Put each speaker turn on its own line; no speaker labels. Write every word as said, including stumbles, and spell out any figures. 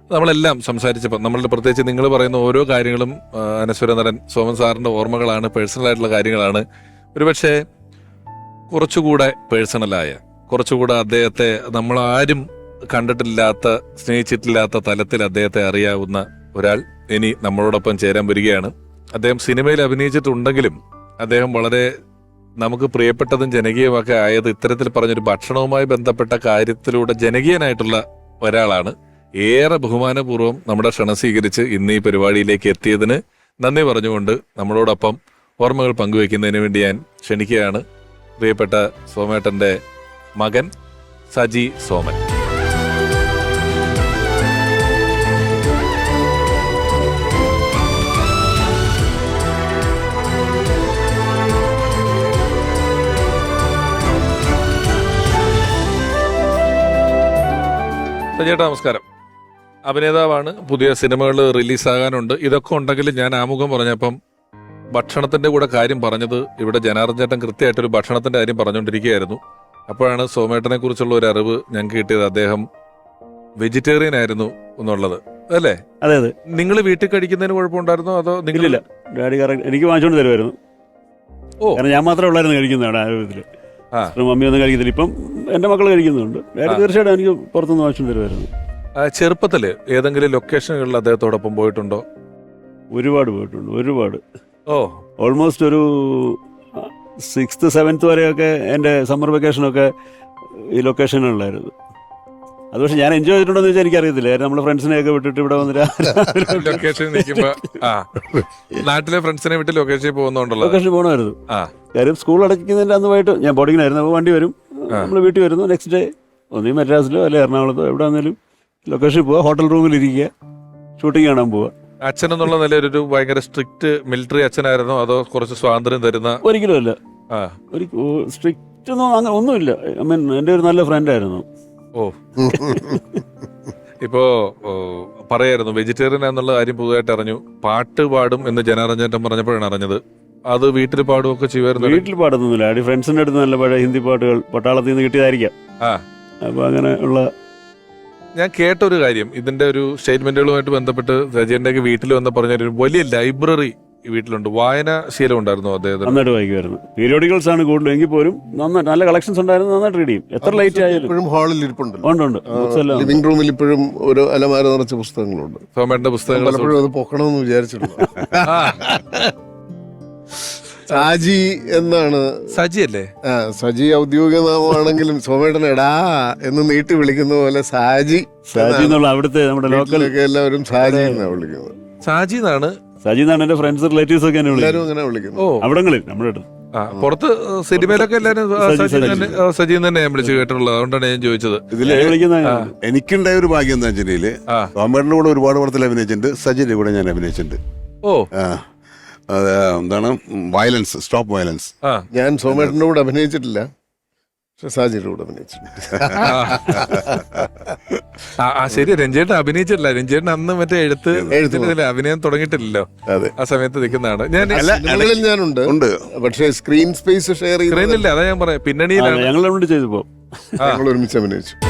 നമ്മളെല്ലാം സംസാരിച്ചപ്പോൾ നമ്മളുടെ പ്രത്യേകിച്ച് നിങ്ങൾ പറയുന്ന ഓരോ കാര്യങ്ങളും അനശ്വര നടൻ സോമൻ സാറിന്റെ ഓർമ്മകളാണ്, പേഴ്സണൽ ആയിട്ടുള്ള കാര്യങ്ങളാണ്. ഒരുപക്ഷെ കുറച്ചുകൂടെ പേഴ്സണലായ, കുറച്ചുകൂടെ അദ്ദേഹത്തെ നമ്മൾ ആരും കണ്ടിട്ടില്ലാത്ത, സ്നേഹിച്ചിട്ടില്ലാത്ത തലത്തിൽ അദ്ദേഹത്തെ അറിയാവുന്ന ഒരാൾ ഇനി നമ്മളോടൊപ്പം ചേരാൻ വരികയാണ്. അദ്ദേഹം സിനിമയിൽ അഭിനയിച്ചിട്ടുണ്ടെങ്കിലും അദ്ദേഹം വളരെ നമുക്ക് പ്രിയപ്പെട്ടതും ജനകീയമൊക്കെ ആയത് ഇത്തരത്തിൽ പറഞ്ഞൊരു ഭക്ഷണവുമായി ബന്ധപ്പെട്ട കാര്യത്തിലൂടെ ജനകീയനായിട്ടുള്ള ഒരാളാണ്. ഏറെ ബഹുമാനപൂർവ്വം നമ്മുടെ ക്ഷണം സ്വീകരിച്ച് ഇന്ന് ഈ പരിപാടിയിലേക്ക് എത്തിയതിന് നന്ദി പറഞ്ഞുകൊണ്ട് നമ്മളോടൊപ്പം ഓർമ്മകൾ പങ്കുവെക്കുന്നതിന് വേണ്ടി ഞാൻ ക്ഷണിക്കുകയാണ് പ്രിയപ്പെട്ട സോമേട്ടന്റെ മകൻ സജി സോമൻ. സജിയേട്ടാ നമസ്കാരം. അഭിനേതാവാണ്, പുതിയ സിനിമകൾ റിലീസാകാനുണ്ട്. ഇതൊക്കെ ഉണ്ടെങ്കിലും ഞാൻ ആമുഖം പറഞ്ഞപ്പം ഭക്ഷണത്തിന്റെ കൂടെ കാര്യം പറഞ്ഞത് ഇവിടെ ജനാർദ്ദൻ ചേട്ടൻ കൃത്യമായിട്ടൊരു ഭക്ഷണത്തിന്റെ കാര്യം പറഞ്ഞുകൊണ്ടിരിക്കുകയായിരുന്നു. അപ്പോഴാണ് സോമേട്ടനെ കുറിച്ചുള്ള ഒരു അറിവ് ഞങ്ങൾക്ക് കിട്ടിയത്. അദ്ദേഹം വെജിറ്റേറിയൻ ആയിരുന്നു എന്നുള്ളത് അല്ലേ?
അതെ അതെ.
നിങ്ങൾ വീട്ടിൽ കഴിക്കുന്നതിന് കുഴപ്പമുണ്ടായിരുന്നോ അതോ നിങ്ങളില്ല?
ഡാഡി എനിക്ക് വാങ്ങിച്ചോണ്ട് തരുമായിരുന്നു.
ഓ,
കാരണം ഞാൻ മാത്രമേ ഉള്ളായിരുന്നു കഴിക്കുന്നതാണ് ആരോഗ്യത്തില്. മമ്മി ഒന്നും കഴിക്കുന്നില്ല. ഇപ്പം എന്റെ മക്കൾ കഴിക്കുന്നുണ്ട്. ഡാഡി തീർച്ചയായിട്ടും എനിക്ക് പുറത്തുനിന്ന് വാങ്ങിച്ചോണ്ട് തരുമായിരുന്നു.
ചെറുപ്പത്തില് ഏതെങ്കിലും ലൊക്കേഷനുകളിൽ അദ്ദേഹത്തോടൊപ്പം പോയിട്ടുണ്ടോ?
ഒരുപാട് പോയിട്ടുണ്ട്, ഒരുപാട്.
ഓ,
ഓൾമോസ്റ്റ് ഒരു സിക്സ്ത് സെവൻത്ത് വരെയൊക്കെ എൻ്റെ സമ്മർ വെക്കേഷനൊക്കെ ഈ ലൊക്കേഷനുകളിലായിരുന്നു. അത് പക്ഷെ ഞാൻ എൻജോയ് ചെയ്തിട്ടുണ്ടോ എന്ന് വെച്ചാൽ എനിക്കറിയത്തില്ല. കാരണം നമ്മുടെ ഫ്രണ്ട്സിനെയൊക്കെ വിട്ടിട്ട് ഇവിടെ വന്നിട്ട്
ലൊക്കേഷൻ നിൽക്കുമ്പോ നാട്ടിലെ ഫ്രണ്ട്സിനെ വിട്ട് ലൊക്കേഷനിൽ പോകുന്നുണ്ടല്ലോ.
ലൊക്കേഷനിൽ പോകണമായിരുന്നു. കാര്യം സ്കൂൾ അടയ്ക്കുന്നതിൻ്റെ അന്ന് പോയിട്ട് ഞാൻ ബോർഡിങ്ങിനായിരുന്നു. അപ്പോൾ വണ്ടി വരും, നമ്മൾ വീട്ടിൽ വരുന്നു. നെക്സ്റ്റ് ഡേ ഒന്നീ മദ്രാസിലോ അല്ലെ എറണാകുളത്തോ എവിടെ വന്നാലും ലൊക്കേഷനിൽ പോവുക, ഹോട്ടൽ റൂമിൽ ഇരിക്കുക, ഷൂട്ടിംഗ് കാണാൻ പോവുക.
അച്ഛൻ എന്നുള്ള നിലയിൽ ഒരു ഭയങ്കര സ്ട്രിക്റ്റ് മിലിറ്ററി അച്ഛനായിരുന്നോ അതോ കുറച്ച് സ്വാതന്ത്ര്യം തരുന്ന?
ഒരിക്കലും അല്ല, സ്ട്രിക്റ്റ് ഒന്നും അങ്ങനെ ഒന്നുമില്ല. ഐ മീൻ എൻ്റെ ഒരു നല്ല ഫ്രണ്ടായിരുന്നു.
ഓ, ഇപ്പോ പറയായിരുന്നു വെജിറ്റേറിയൻ എന്നുള്ള കാര്യം പുതുതായിട്ട് അറിഞ്ഞു. പാട്ട് പാടും എന്ന് ജനാർദ്ദൻ ചേട്ടൻ പറഞ്ഞപ്പോഴാണ് അറിഞ്ഞത്. അത് വീട്ടിൽ പാടുകയൊക്കെ ചെയ്യുമായിരുന്നു?
വീട്ടിൽ പാടുന്നില്ല, അടി ഫ്രണ്ട്സിന്റെ അടുത്ത് നല്ല പഴയ ഹിന്ദി പാട്ടുകൾ പട്ടാളത്തിൽ നിന്ന് കിട്ടിയതായിരിക്കാം.
ആ,
അപ്പൊ അങ്ങനെ ഉള്ള
ഞാൻ കേട്ടൊരു കാര്യം, ഇതിന്റെ ഒരു സ്റ്റേറ്റ്മെന്റുകളുമായിട്ട് ബന്ധപ്പെട്ട് സജിന്റെ വീട്ടിൽ വന്ന് പറഞ്ഞൊരു വലിയ ലൈബ്രറി വീട്ടിലുണ്ട്. വായനാശീലം ഉണ്ടായിരുന്നു അദ്ദേഹത്തിന്?
നന്നായിട്ട് വായിക്കുമായിരുന്നു. പീരിയോഡിക്കൽസ് ആണ് കൂടുതലും, എങ്കിൽ പോലും നന്നായിട്ട് നല്ല കളക്ഷൻസ് ഉണ്ടായിരുന്നു. നന്നായിട്ട് റീഡ് ചെയ്യും. എത്ര ലേറ്റ് ആയാലും.
ഇപ്പോഴും ഹാളിൽ ഇരിപ്പുണ്ട്.
ഉണ്ട് ഉണ്ട്.
ലിവിംഗ് റൂമിൽ ഇപ്പോഴും ഒരു അലമാര നിറച്ച പുസ്തകങ്ങളുണ്ട്.
സോമേട്ടന്റെ പുസ്തകങ്ങൾ
പലപ്പോഴും അത് പൊക്കണമെന്ന് വിചാരിച്ചിട്ടുണ്ട്. സാജി എന്നാണ്.
സജി അല്ലേ?
ആ, സജി ഔദ്യോഗിക നാമമാണെങ്കിലും സോമേട്ടൻ എടാ എന്ന് നീട്ടി വിളിക്കുന്ന പോലെ സാജി
സാജി എന്നുള്ള അവിടുത്തെ നമ്മുടെ ലോക്കലൊക്കെ
എല്ലാവരും സാജി എന്നാണ് വിളിക്കുന്നത്.
സാജി എന്നാണ്.
സജി എന്നാണ് എന്റെ ഫ്രണ്ട്സ് റിലേറ്റീവ്സ് ഒക്കെ
എല്ലാവരും അങ്ങനെ വിളിക്കുന്നു.
ഓ,
അവിടങ്ങളിൽ നമ്മുടെ അടുത്ത്.
പുറത്ത് സിനിമയിലൊക്കെ എല്ലാവരും സജി തന്നെ ഞാൻ വിളിച്ചു കേട്ടിട്ടുള്ളത്. അതുകൊണ്ടാണ് ഞാൻ ചോദിച്ചത്.
ഇതിലെ
എനിക്കുണ്ടായ ഒരു ഭാഗ്യം എന്താ വെച്ചിട്ടുണ്ടെങ്കിൽ സോമേട്ടന്റെ കൂടെ ഒരുപാട് പടത്തിൽ അഭിനയിച്ചിട്ടുണ്ട്. സജിന്റെ കൂടെ ഞാൻ അഭിനയിച്ചിട്ടുണ്ട്.
ഓ,
എന്താണ് വയലൻസ്, സ്റ്റോപ്പ് വയലൻസ്.
ഞാൻ സോമേട്ടന്റെ കൂടെ അഭിനയിച്ചിട്ടില്ല, പക്ഷെ സാജിയുടെ കൂടെ അഭിനയിച്ചിട്ടുണ്ട്.
ആ ശരി, രഞ്ജേട്ടൻ അഭിനയിച്ചിട്ടില്ല. രഞ്ജേട്ടൻ അന്ന് മറ്റേ എഴുത്ത് എഴുത്തിന്റെ അഭിനയം തുടങ്ങിയിട്ടില്ലല്ലോ. ആ സമയത്ത് നിൽക്കുന്നതാണ്. ഞാൻ
ഞാനുണ്ട് ഉണ്ട്, പക്ഷേ സ്ക്രീൻ സ്പേസ് ഷെയർ
സ്ക്രീനില്ല. അതാ ഞാൻ പറയാം, പിന്നണിയിലാണ്
ഞങ്ങൾ ചെയ്തപ്പോ
ഞങ്ങൾ ഒരുമിച്ച് അഭിനയിച്ചു.